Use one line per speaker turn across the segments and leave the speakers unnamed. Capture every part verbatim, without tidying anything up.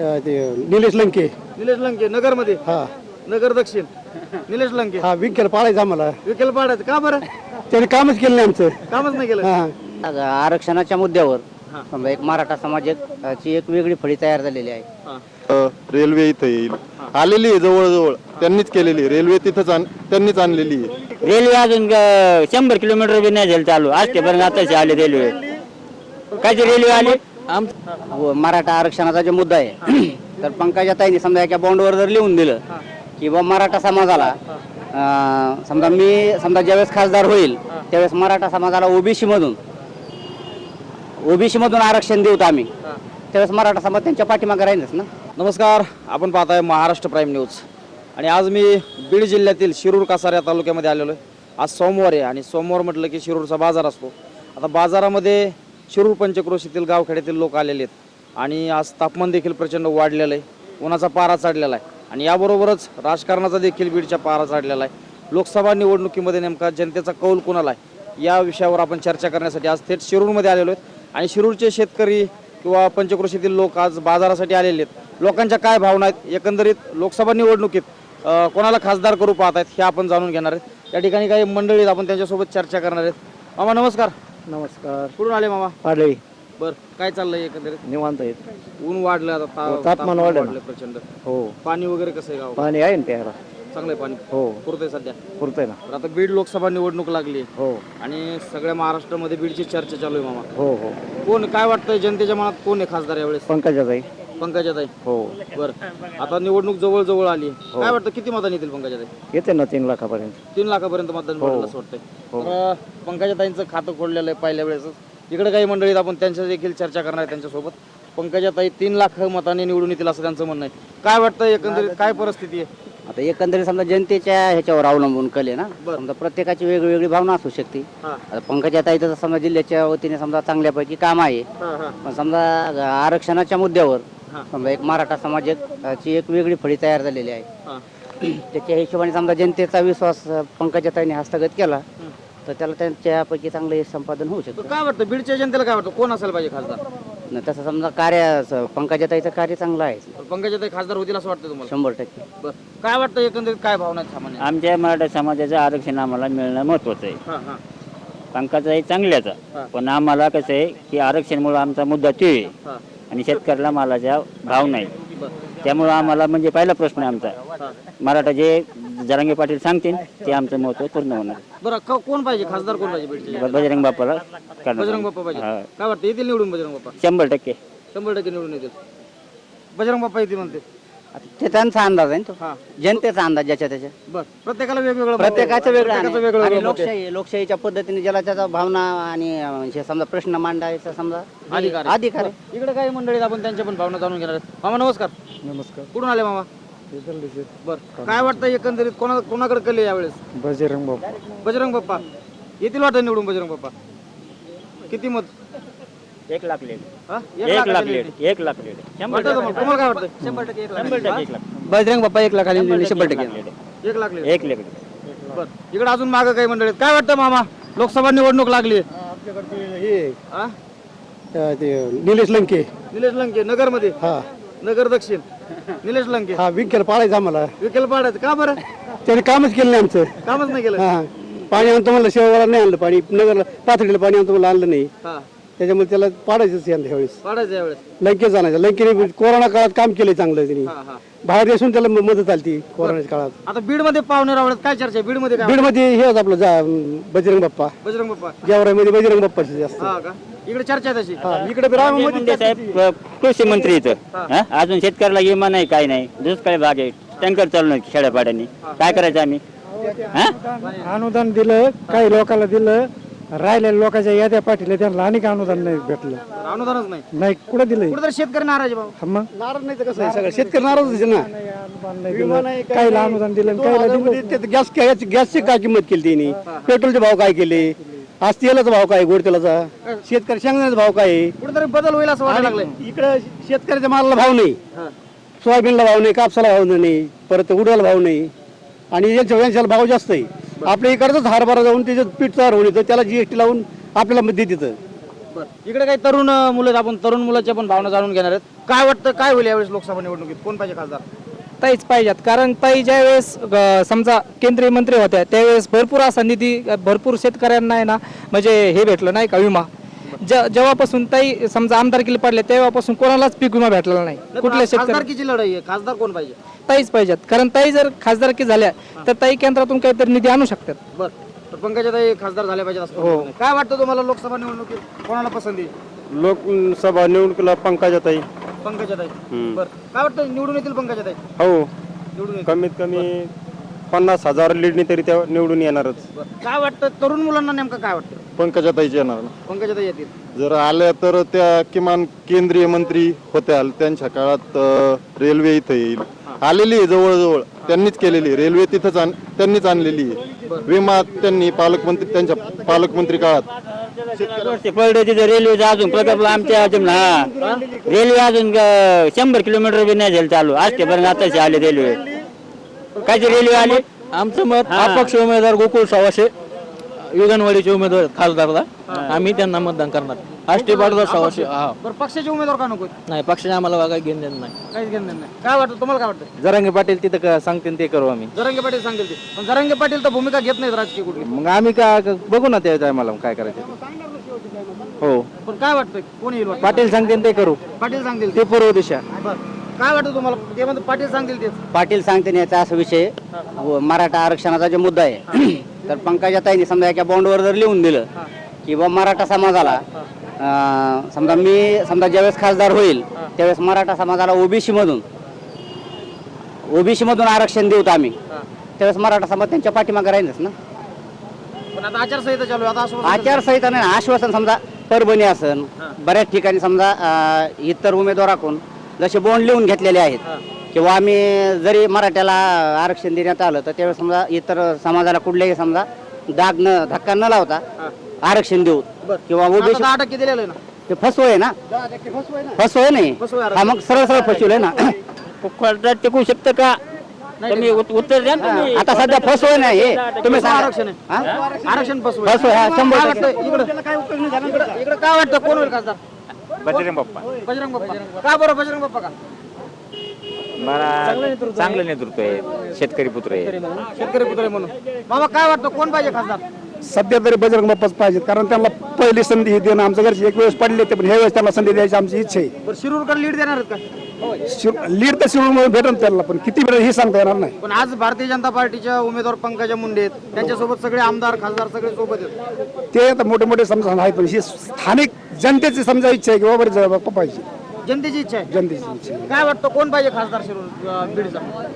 अ, ते निलेश लंके.
निलेश लंके नगरमध्ये.
हा
नगर दक्षिण निलेश लंके.
हा विकेल पाळायचं आम्हाला.
विकेल पाडायचं का बरं?
त्याने कामच केलं नाही आमचं.
कामच नाही केलं.
हा
आरक्षणाच्या मुद्द्यावर
हा.
समजा एक मराठा समाजाची एक वेगळी फळी तयार झालेली आहे.
हा.
रेल्वे इथं येईल आलेली आहे जवळजवळ त्यांनीच केलेली रेल्वे तिथंच आण- त्यांनीच आणलेली आहे.
रेल्वे अजून अं, शंभर किलोमीटर बी नाही झालं चालू आज ते पर्यंत आताच आले रेल्वे. काय ते रेल्वे आली व मराठा आरक्षणाचा जो मुद्दा आहे तर पंकजा ताईंनी समजा एका बॉन्डवर जर लिहून दिलं की बा मराठा समाजाला अं, समजा मी समजा ज्यावेळेस खासदार होईल त्यावेळेस मराठा समाजाला ओबीसी मधून ओबीसी मधून आरक्षण देऊत आम्ही त्यावेळेस मराठा समाज त्यांच्या पाठीमागे राहीलच ना.
नमस्कार, आपण पाहताय महाराष्ट्र प्राईम न्यूज आणि आज मी बीड जिल्ह्यातील शिरूर कासार या तालुक्यामध्ये आलेलो आहे. आज सोमवार आहे आणि सोमवार म्हटलं की शिरूरचा बाजार असतो. आता बाजारामध्ये शिरूर पंचक्रोशीतील गावखेड्यातील लोक आलेले आहेत आणि आज तापमान देखील प्रचंड वाढलेलं आहे. उन्हाचा पारा चढलेला आहे आणि याबरोबरच राजकारणाचा देखील बीडच्या पारा चढलेला आहे. लोकसभा निवडणुकीमध्ये नेमका जनतेचा कौल कोणाला आहे या विषयावर आपण चर्चा करण्यासाठी आज थेट शिरूरमध्ये आलेलो आहेत आणि शिरूरचे शेतकरी किंवा पंचक्रोशीतील लोक आज बाजारासाठी आलेले आहेत. लोकांच्या काय भावना आहेत, एकंदरीत लोकसभा निवडणुकीत अ, कोणाला खासदार करू पाहत आहेत हे आपण जाणून घेणार आहेत. या ठिकाणी काही मंडळी आहेत, आपण त्यांच्यासोबत चर्चा करणार आहेत. मामा नमस्कार.
नमस्कार.
कुठून आले मामा?
पाडळी.
बर, काय चाललंय एकंदरीत?
निवांत आहेत.
ऊन वाढलं आता ता-
हो, तापमान वाढलं.
प्रचंड.
हो
पाणी वगैरे कसं आहे गाव?
पाणी आहे ना प्यायला.
चांगलंय पाणी.
हो
पुरतंय सध्या.
पुरतंय ना.
तर आता बीड लोकसभा निवडणूक लागली
हो
आणि सगळ्या महाराष्ट्रामध्ये बीडची चर्चा चालू आहे मामा.
हो हो
कोण काय वाटतंय जनतेच्या मनात कोण आहे खासदार यावेळेस?
पंकजाताई.
पंकजाताई.
हो
बर, आता निवडणूक जवळ जवळ आली. काय वाटतं किती मतांनी येतील पंकजाताई?
येते ना तीन लाखापर्यंत.
तीन लाखापर्यंत मतदान पडेल असं वाटतंय.
हो.
तर पंकजाताईंचं खातं खोललेलं आहे पहिल्या वेळेस. इकडे काही मंडळीत आपण त्यांच्या देखील चर्चा करणार आहे त्यांच्यासोबत. पंकजाताई तीन लाख मतांनी निवडून येतील असं त्यांचं म्हणणं आहे. काय वाटतं एकंदरीत काय परिस्थिती आहे?
आता एकंदरीत समजा जनतेच्या ह्याच्यावर अवलंबून कले ना.
बरं.
समजा प्रत्येकाची वेगवेगळी भावना असू शकते.
हा.
आता पंकजा ताईचं समजा जिल्ह्याच्या वतीने समजा चांगल्यापैकी काम आहे.
हा, हा,
पण समजा आरक्षणाच्या मुद्द्यावर
हा.
समजा एक मराठा समाजाची एक वेगळी फळी तयार झालेली आहे.
हा.
त्याच्या हिशोबाने समजा जनतेचा विश्वास पंकजा ताईंनी हस्तगत केला तर त्याला त्यांच्यापैकी चांगलं यश संपादन होऊ
तर
शकतं.
काय वाटतं बीडच्या जनतेला काय वाटतं कोण असायला पाहिजे खासदार?
न तसं समजा कार्य पंकजा ताईचं कार्य चांगलं आहे
तर पंकजाताई खासदार होतील असं वाटतं तुम्हाला?
शंभर टक्के.
बरं, काय वाटतं एकंदरीत काय भावना आहेत सामान्य?
आमच्या मराठा समाजाचं आरक्षण आम्हाला मिळणं महत्वाचं आहे.
हा, हा,
पंकजाताई चांगल्याचा
हा.
पण आम्हाला कसं आहे की आरक्षणमुळे आमचा मुद्दा ते आहे
हा.
आणि शेतकऱ्याला मालाचा भाव नाही.
बरं,
त्यामुळं आम्हाला म्हणजे पहिला प्रश्न आहे आमचा
हा.
मराठा जे जरांगे पाटील सांगतील ते आमचं महत्व पूर्ण होणार.
बरं, क- कोण पाहिजे खासदार कोण पाहिजे बीडच्या?
बजरंग बाप्पाला करणार.
बजरंग बाप्पा पाहिजे.
हा.
काय वाटतं येतील निवडून बजरंग बाप्पा?
शंभर टक्के
शंभर टक्के निवडून येतील. बजरंग बाप्पा येतील म्हणते.
आता ते त्यांचा अंदाज आहे ना तो.
हा.
जनतेचा अंदाज ज्याच्या त्याच्या
बरं, प्रत्येकाला वेगवेगळं मत आहे.
प्रत्येकाचं वेगळं
प्रत्येकाचं
आहे.
वेगळं
आणि
वेगळं मत आहे.
लोकशाही लोकशाहीच्या पद्धतीने ज्याला त्याचा भावना आणि अं, हे समजा प्रश्न मांडायचा समजा
अधिकार आहे.
अधिकार आहे.
बरं, इकडे काही मंडळीत आपण त्यांच्या पण भावना जाणून घेणार आहेत. मामा नमस्कार.
नमस्कार.
कुठून आले मामा? बरं, काय वाटतं एकंदरीत कोणा कोणाकडे कले यावेळेस?
बजरंग बाप्पा.
बजरंग बाप्पा येतील वाटतं निवडून बजरंग बाप्पा? किती मत?
एक लाख लेट
हा?
एक लाख
लाखाखाली
लेट
येतील.
एक लाख लेट शंभर
वाटतं तुम्हाला? तुम्हाला काय वाटतं?
शंभर टक्के एक लाख.
शंभर टक्के एक लाख
बजरंग बाप्पा एक लाखाली शंभर टक्के.
एक लाख लेट.
एक लाख
बरं, इकडे अजून मागं काही मंडळीत. काय वाटतं मामा लोकसभा निवडणूक लागली?
आपल्याकडे हे
हा?
अ, ते निलेश लंके.
निलेश लंके नगरमध्ये.
हा
नगर दक्षिण निलेश लंके.
हा विकेल पाळायचं आम्हाला.
विकेल पाडायचं का बरं?
त्याने कामच केलं नाही आमचं.
कामच नाही केलं.
हा पाणी आणतो म्हणलं शेवाला नाही आणलं पाणी. नगरला पाथडीला पाणी आणतो म्हणलं आणलं नाही.
हा,
त्याच्यामुळे त्याला पाडायचंच यंदा ह्यावेळेस.
पाडायचं यावेळेस.
लंकेच आणायचं. लंकेने कोरोना काळात काम केलंय चांगलं त्यांनी.
हा, हा.
बाहेर देशून त्याला मदत आली कोरोनाच्या काळात.
आता बीड मध्ये पाहुणे रावळ्यात काय चर्चा आहे? बीड मध्ये काय?
बीडमध्ये हे होतं आपलं जा बजरंग बाप्पा.
बजरंग बाप्पा.
गेवराईमध्ये बजरंग बाप्पाची जास्त.
हा का? इकडे चर्चा आहे तशी.
हा, इकडे बी रामामध्ये
म्हणजे साहेब कृषी मंत्री इथं
हा.
हा? अजून शेतकऱ्याला विमा नाही काय नाही दुष्काळी भाग आहे टँकर चालू नाही खेड्यापाड्यांनी काय करायचं आम्ही हा?
अनुदान दिलं काही लोकांना दिलं राहिलेल्या लोकांच्या याद्या पाठीला त्यांना अनेक अनुदान नाही भेटलं.
अनुदानच नाही.
नाही कुठं दिलंय
कुठेतरी शेतकरी नाराज आहे भाऊ.
हा मग
नाराज नाही तर कसं आहे सगळं शेतकरी नाराजच आहे ना.
अनुदान नाही
विमा
दिलं
नाही, काही
काहीला
नाही.
अनुदान दिलं
दोन
काहीला
हजार
दिलं
मध्ये ते गॅस गॅस- गॅसची काय किंमत केली त्यांनी. पेट्रोलचे भाव काय केले. आज तेलाचा भाव काय गोड तेलाचा. शेतकरी शेंगदाण्याचा भाव काय आहे.
कुठेतरी बदल होईल असं वाटायला लागलंय.
इकडे शेतकऱ्याच्या मालाला भाव नाही.
हा.
सोयाबीनला भाव नाही. कापसाला भाव नाही. परत उडवायला भाव नाही. आणि यांच्या यांच्याला भाव जास्त आहे. आपल्या इकडचंच हरभरा जाऊन त्याच्यात पीठ तयार होऊन येतं त्याला जीएसटी लावून आपल्याला मध्ये देतं.
बरं इकडे काही तरुण अं, मुलं आहेत, आपण तरुण मुलाच्या पण भावना जाणून घेणार आहेत. काय वाटतं काय होईल यावेळेस लोकसभा निवडणुकीत कोण पाहिजे खासदार?
ताईच पाहिजेत, कारण ताई ज्या वेळेस अ, समजा केंद्रीय मंत्री होत्या त्यावेळेस भरपूर असा निधी अ, भरपूर शेतकऱ्यांना आहे ना म्हणजे हे भेटलं नाही का विमा. जे- जेव्हापासून ताई समजा आमदारकीला पडले तेव्हापासून कोणालाच पीक विमा भेटलेला नाही. कुठल्या शेतकरी
खासदारकीची लढाई आहे, खासदार कोण पाहिजे?
ताईच पाहिजेत, कारण ताई जर खासदारकी झाल्या तर ताई केंद्रातून काहीतरी निधी आणू शकतात.
बर तर पंकजाताई खासदार झाल्या पाहिजे असं हो. काय वाटतं तुम्हाला लोकसभा निवडणुकीत कोणाला पसंती?
लोकसभा निवडणुकीला पंकजाताई.
पंकजाताई. बर काय वाटतं निवडून येतील पंकजाताई?
हो,
निवडून येतील.
कमीत कमी पन्नास हजार लीडनी तरी त्या निवडून येणारच.
बरं. काय वाटतं तरुण मुलांना नेमकं काय वाटतं?
पंकजाताईची येणार ना.
पंकजाताई येतील.
जर आल्या तर त्या किमान केंद्रीय मंत्री होत्या त्यांच्या काळात अ, रेल्वे इथं येईल. आलेली आहे जवळजवळ, त्यांनीच केलेली आहे. रेल्वे तिथंच आण त्यांनीच आणलेली आहे. विमा त्यांनी पालकमंत्री त्यांच्या पालकमंत्री काळात
पडलं तिथं रेल्वेचा अजून प्रकल्प आमच्या अजून हा रेल्वे अजून अं, शंभर किलोमीटर बी नाही झालं चालू आजपर्यंत आताच आले रेल्वे. काय ते रेल्वे आले.
आमचं मत अपक्ष उमेदवार गोकुळ सवाशे युगनवाडीचे उमेदवार खासदारला आम्ही त्यांना मतदान करणार. आष्टी पाडदा सवाशे हा
बरं पक्षाचे उमेदवार का नको?
नाही पक्षाने आम्हाला काही घेणं देणं नाही.
काहीच घेणं देणं नाही. काय वाटतं तुम्हाला? काय वाटतं?
जरांगे पाटील तिथं क- सांगतील ते करू आम्ही.
जरांगे पाटील सांगेल ते, पण जरांगे पाटील तर भूमिका घेत नाहीत राजकीय कुठली.
मग आम्ही का क- बघू ना त्या टायमाला काय करायचं. हो
पण काय वाटतं कोण येईल वाटतं?
पाटील सांगतील ते करू.
पाटील सांगतील
ते पूर्व दिशा.
बरं काय वाटतं तुम्हाला? ते म्हणतात पाटील सांगतील तेच.
पाटील सांगते याचा असा विषय व मराठा आरक्षणाचा जो मुद्दा आहे तर पंकजाताईंनी समजा एका बॉन्डवर जर लिहून दिलं की बा मराठा समाजाला अं, समजा मी समजा ज्यावेळेस खासदार होईल त्यावेळेस मराठा समाजाला ओबीसी मधून ओबीसी मधून आरक्षण देऊत आम्ही, त्यावेळेस मराठा समाज त्यांच्या पाठीमागे राहीलच ना.
पण आता आचारसंहिता चालू आहे आता असं
आचारसंहिता नाही ना, आश्वासन समजा परभणी असन बऱ्याच ठिकाणी समजा अं, इतर उमेदवाराकडून जसे बॉन्ड लिहून घेतलेले आहेत किंवा आम्ही जरी मराठ्याला आरक्षण देण्यात आलं तर त्यावेळेस समजा इतर समाजाला कुठल्याही समजा दाग न धक्का न लावता आरक्षण देऊ किंवा ओबीसी
दहा टक्के दिलेलं आहे ना.
ते फसवय ना, फसवय नाही
फसवय आरक्षण.
हा मग सरळ सरळ फसवलंय ना.
कोर्टात टिकू शकतं का? तुम्ही उत- उत्तर द्या ना तुम्ही.
आता सध्या फसवय नाही हे तुम्ही सांगा.
आरक्षण आहे.
हा?
आरक्षण फसवं
फसवय हा शंभर
काय
टक्के.
वाटतं इकडं इकडं इकडं काय वाटतं कोण होईल खासदार?
बजरंग बाप्पा
बजरंग बाप्पा. का बरं बजरंग बाप्पा का?
चांगलं नेतृत्व आहे, शेतकरी पुत्र आहे.
शेतकरी पुत्र आहे म्हणून. बाबा काय वाटतं कोण पाहिजे खासदार?
सध्या तरी बजरंग बाप्पाच पाहिजेत, कारण त्यांना पहिली संधी देणं आमच्या घरचे एक वेळेस पडले ते, पण ह्या वेळेस त्यांना संधी द्यायची आमची इच्छा आहे.
बरं शिरूरकर लीड देणार आहेत का?
लीड तर शिवून भेटेल त्यांना, पण किती भेटेल हे सांगता येणार नाही.
पण आज भारतीय जनता पार्टीच्या उमेदवार पंकजा मुंडे आहेत, त्यांच्यासोबत सगळे आमदार खासदार सगळे सोबत आहेत.
ते आता मोठे मोठे समजा आहेत, पण ही स्थानिक जनतेची समजा इच्छा आहे की बाबा बरं बाप्पा पाहिजे.
जनतेची इच्छा आहे.
जनतेची इच्छा आहे.
काय वाटतं कोण पाहिजे खासदार शिरूर अं, बीडचा?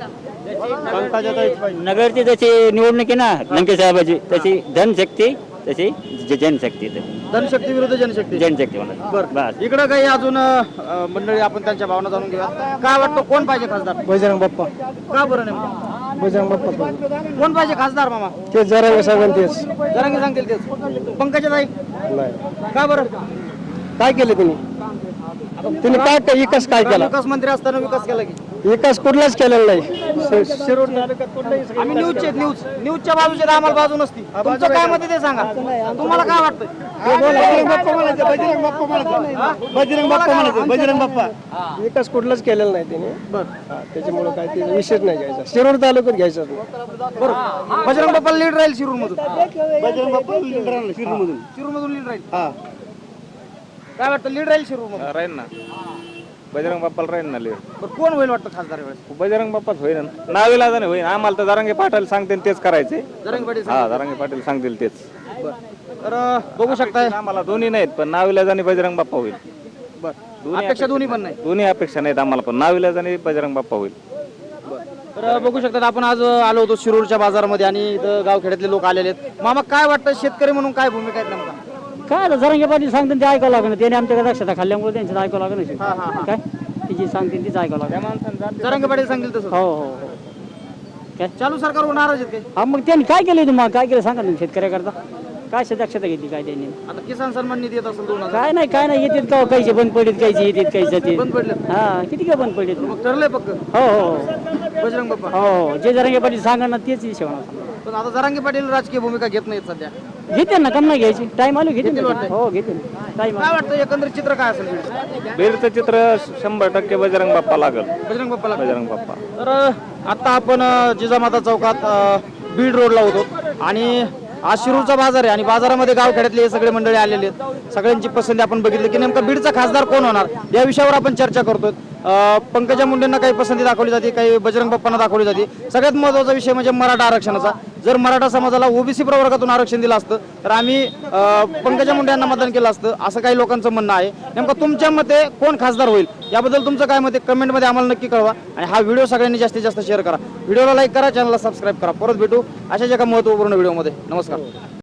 नगरची जशी निवडणूक आहे ना लंके साहेबाची तशी धनशक्ती तशी ज- जनशक्ती
धनशक्ती विरुद्ध जनशक्ती.
जनशक्ती म्हणा.
बरं
बस
इकडं काही अजून अं, मंडळी आपण त्यांच्या भावना जाणून घेऊया. काय वाटतं कोण पाहिजे खासदार?
बजरंग बाप्पा.
का बरं नेमकं
बजरंग बाप्पा
कोण पाहिजे खासदार मामा?
ते जरा सगळं तेच
जरांगे सांगतील तेच. पंकजाताई का बरं?
काय केलं त्यांनी त्यांनी काय काय विकास काय केला?
विकास मंत्री असताना विकास केला की
विकास कुठलाच केलेला नाही. शिरूर
आम्ही न्यूजचे आहेत, न्यूज न्यूजच्या बाजूचे तर आम्हाला बाजू नसती. तुमचं काय मत आहे ते सांगा. तुम्हाला काय वाटतं?
बजरंग बाप्पा म्हणायचं, बजरंग बाप्पा म्हणायचं, बजरंग बाप्पा म्हणायचं, बजरंग बाप्पा.
विकास कुठलाच केलेला नाही त्याने. हा, त्याच्यामुळे काय ते विषयच नाही घ्यायचा. शिरूर तालुक्यात घ्यायचा नाही.
बरं बजरंग बाप्पा लीड राहील शिरूर मधून.
बजरंग बाप्पा लीड राहणार शिरूरमधून.
शिरूर मधून लीड राहील. काय वाटतं लीड राहील शिरूर मधून?
राहील ना बजरंग बाप्पाला राहील ना लीड.
बरं कोण होईल वाटतं खासदार वेळेस?
बजरंग बाप्पाच होईल ना नावीला जाणे होईल. आम्हाला तर जरांगे पाटील सांगतील तेच करायचे.
जरांगे पाटील
हा जरांगे पाटील सांगतील तेच.
तर अं, बघू शकताय.
आम्हाला दोन्ही नाहीत पण नावीला जाणे बजरंग बाप्पा होईल.
बरं अपेक्षा दोन्ही पण नाही.
दोन्ही अपेक्षा नाहीत आम्हाला पण नावीला जाणे बजरंग बाप्पा होईल.
तर बघू शकतात आपण आज आलो होतो शिरूरच्या बाजारामध्ये आणि इथं गावखेड्यातले लोक आलेले आहेत. मामा काय वाटतं शेतकरी म्हणून काय भूमिका आहेत नेमका?
काय आलं जरांगे पाटील सांगतील ते ऐकावं लागणार, त्याने आमच्याकडे दक्षता खाल्ल्यामुळे त्यांचं ऐकावं लागणार. काय तिची सांगतील तीच ऐकावं लागणार.
जरांगे पाटील सांगतील तसं.
हो हो हो. काय
चालू सरकारवर नाराज आहेत काही?
हा मग त्यांनी काय केलं तुम्हाला, काय केलं सांगा ना शेतकऱ्याकरता. काय दक्षता घेतली काय त्यांनी?
आता किसान सन्मान निधी येत असेल दोन हजार.
काय नाही काय नाही येतात का काहीचे बंद पडलेत काहीचे येतात काही जाते.
बंद पडले.
हा किती काय बंद पडलेत.
मग ठरलंय पक्क
हो हो हो.
बजरंग बाप्पा.
हो हो जे जरांगे पाटील सांगा ना तेच हिशोबाने.
पण आता जरांगे पाटील राजकीय भूमिका घेत नाहीत सध्या.
घेते ना कम नाही घ्यायची टाइम आलो घेते
घेतील
ना.
वाटतंय.
हो घेते टाइम
काय वाटतं एकंदरीत चित्र काय असेल बीडचं?
बीडचं चित्र शंभर टक्के बजरंग बाप्पा लागल
बजरंग बाप्पाला
बजरंग बाप्पा
तर आता आपण अ, जिजामाता चौकात अ, बीड रोडला होतो आणि आज शिरूरचा बाजार आहे आणि बाजारामध्ये गावखेड्यातले हे सगळे मंडळी आलेले आहेत. सगळ्यांची पसंती आपण बघितली की नेमका बीडचा खासदार कोण होणार या विषयावर आपण चर्चा करतोय. अ, पंकजा मुंडेंना काही पसंती दाखवली जाते, काही बजरंग बाप्पांना दाखवली जाते. सगळ्यात महत्त्वाचा विषय म्हणजे मराठा आरक्षणाचा. जर मराठा समाजाला ओबीसी प्रवर्गातून आरक्षण दिलं असतं तर आम्ही अ, पंकजा मुंडे यांना मतदान केलं असतं असं काही लोकांचं म्हणणं आहे. नेमकं तुमच्या मते कोण खासदार होईल याबद्दल तुमचं काय मत आहे कमेंटमध्ये आम्हाला नक्की कळवा आणि हा व्हिडिओ सगळ्यांनी जास्तीत जास्त शेअर करा. व्हिडिओला लाईक करा, चॅनलला सबस्क्राईब करा. परत भेटू अशाच एका महत्त्वपूर्ण व्हिडिओमध्ये. नमस्कार.